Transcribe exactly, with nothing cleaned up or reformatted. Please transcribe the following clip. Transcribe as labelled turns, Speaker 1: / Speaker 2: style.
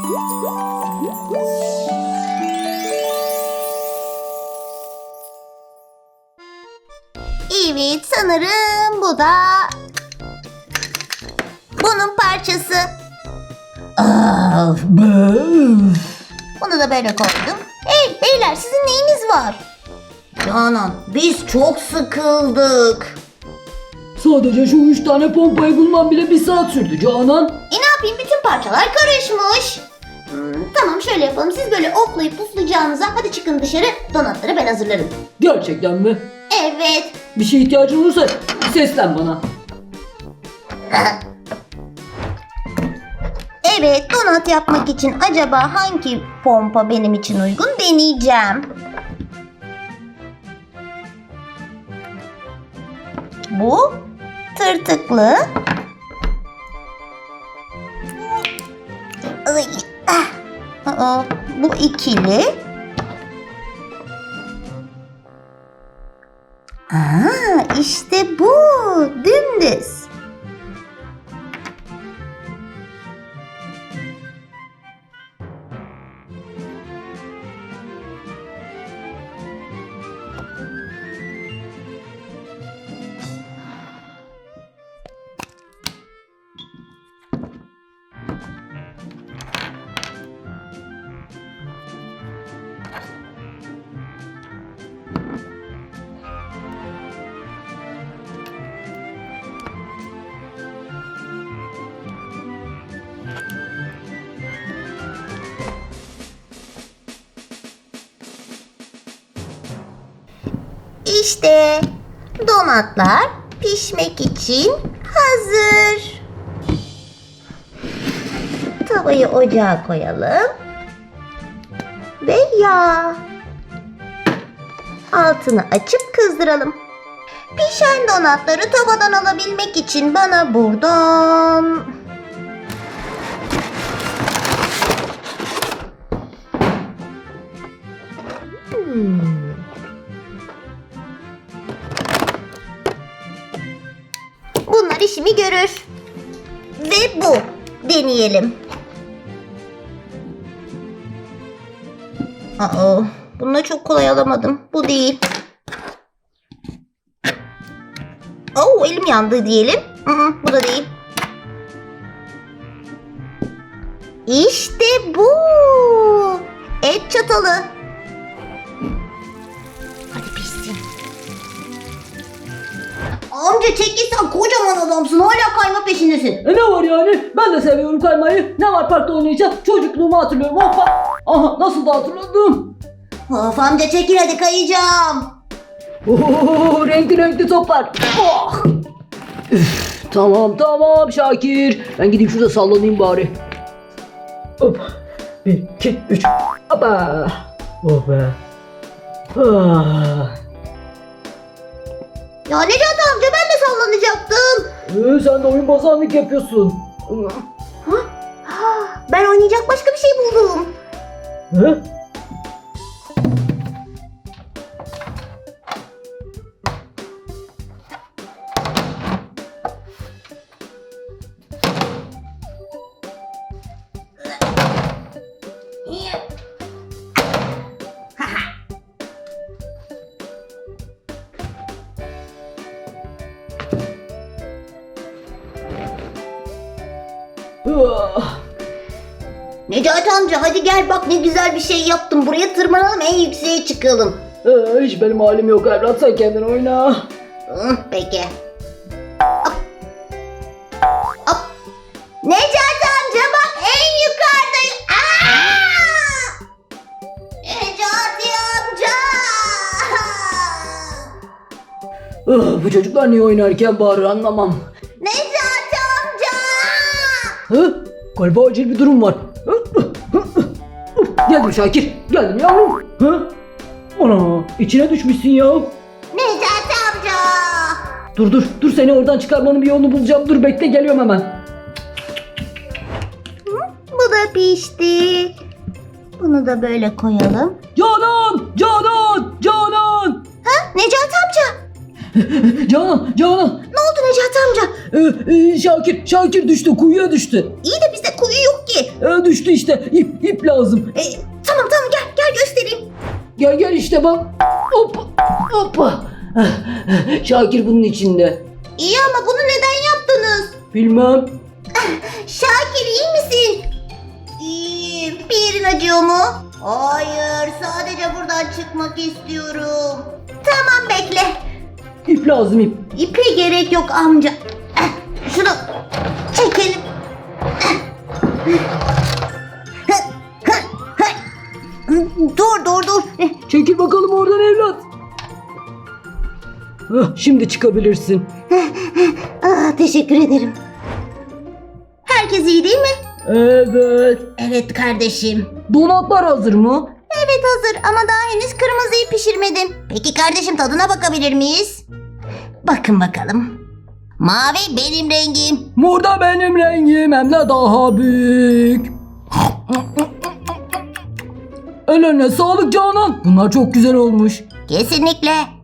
Speaker 1: Evet, sanırım bu da bunun parçası.
Speaker 2: Ah, böf.
Speaker 1: Bunu da böyle koydum. Hey beyler, sizin neyiniz var? Canan, biz çok sıkıldık.
Speaker 2: Sadece şu üç tane pompayı bulmam bile bir saat sürdü Canan.
Speaker 1: E ne yapayım, bütün parçalar karışmış. Hmm, tamam, şöyle yapalım. Siz böyle oklayıp puflayacağınıza hadi çıkın dışarı, donatları ben hazırlarım.
Speaker 2: Gerçekten mi?
Speaker 1: Evet.
Speaker 2: Bir şeye ihtiyacın olursa seslen bana.
Speaker 1: Evet, donat yapmak için acaba hangi pompa benim için uygun deneyeceğim. Bu tırtıklı. Ay, ah. Aa, bu ikili. Aa, işte bu dümdüz. İşte donatlar pişmek için hazır. Tavayı ocağa koyalım. Ve yağ. Altını açıp kızdıralım. Pişen donatları tavadan alabilmek için bana buradan... Hmm. Bunlar işimi görür. Ve bu. Deneyelim. Aa, bunu da çok kolay alamadım. Bu değil. Oo, elim yandı diyelim. Hı hı, bu da değil. İşte bu. Et çatalı. Hadi pişsin. Amca çekilsen, kocaman adamsın, hala kayma peşindesin.
Speaker 2: E ne var yani? Ben de seviyorum kaymayı. Ne var, parkta oynayacağım? Çocukluğumu hatırlıyorum. Hoppa. Aha, nasıl da hatırladım.
Speaker 1: Of amca, çekil hadi, kayacağım.
Speaker 2: Oo, renkli renkli toplar. Oh. Üf, tamam tamam Şakir. Ben gideyim şurada sallanayım bari. Hop. Bir, iki, üç. Hoppa. Oh be. Ah.
Speaker 1: Ya Necati amca, ben de sallanacaktım.
Speaker 2: Ee, sen de oyun bozanlık yapıyorsun.
Speaker 1: Ha, ben oynayacak başka bir şey buldum.
Speaker 2: Hı? Ah.
Speaker 1: Necati amca, hadi gel bak, ne güzel bir şey yaptım. Buraya tırmanalım, en yükseğe çıkalım.
Speaker 2: Ee, hiç benim halim yok evlat, sen kendin oyna.
Speaker 1: Hı, peki. Hop. Hop. Necati amca bak, en yukarıdayım. Aa! Necati amca.
Speaker 2: Ah, bu çocuklar niye oynarken bağırır anlamam.
Speaker 1: Necati amca.
Speaker 2: Hı? Galiba acil bir durum var. Hı? Hı? Hı? Geldim Şakir, geldim yavrum. Hı? Ana, içine düşmüşsün ya.
Speaker 1: Necati amca.
Speaker 2: Dur dur, dur seni oradan çıkarmanın bir yolunu bulacağım. Dur bekle, geliyorum hemen.
Speaker 1: Bu da pişti. Bunu da böyle koyalım.
Speaker 2: Canan, Canan, Canan.
Speaker 1: Ha? Necati amca.
Speaker 2: Canan, Canan.
Speaker 1: Ne oldu Necati amca?
Speaker 2: Ee, e, Şakir, Şakir düştü, kuyuya düştü.
Speaker 1: İyi de biz de yok ki.
Speaker 2: E, düştü işte. İp, ip lazım.
Speaker 1: E, tamam tamam gel gel göstereyim.
Speaker 2: Gel gel işte bak. Hoppa. Hoppa. Şakir bunun içinde.
Speaker 1: İyi ama bunu neden yaptınız?
Speaker 2: Bilmem.
Speaker 1: Şakir iyi misin? İyiyim. Bir yerin acıyor mu? Hayır sadece buradan çıkmak istiyorum. Tamam bekle.
Speaker 2: İp lazım ip.
Speaker 1: İpe gerek yok amca. Eh, Şunu çekelim. Dur dur dur.
Speaker 2: Çekil bakalım oradan evlat. Hah, şimdi çıkabilirsin.
Speaker 1: Ah, teşekkür ederim. Herkes iyi değil mi?
Speaker 2: Evet.
Speaker 1: Evet kardeşim.
Speaker 2: Donatlar hazır mı?
Speaker 1: Evet hazır ama daha henüz kırmızıyı pişirmedim. Peki kardeşim tadına bakabilir miyiz? Bakın bakalım. Mavi benim rengim.
Speaker 2: Mor da benim rengim hem de daha büyük. Ellerine sağlık Canan. Bunlar çok güzel olmuş.
Speaker 1: Kesinlikle.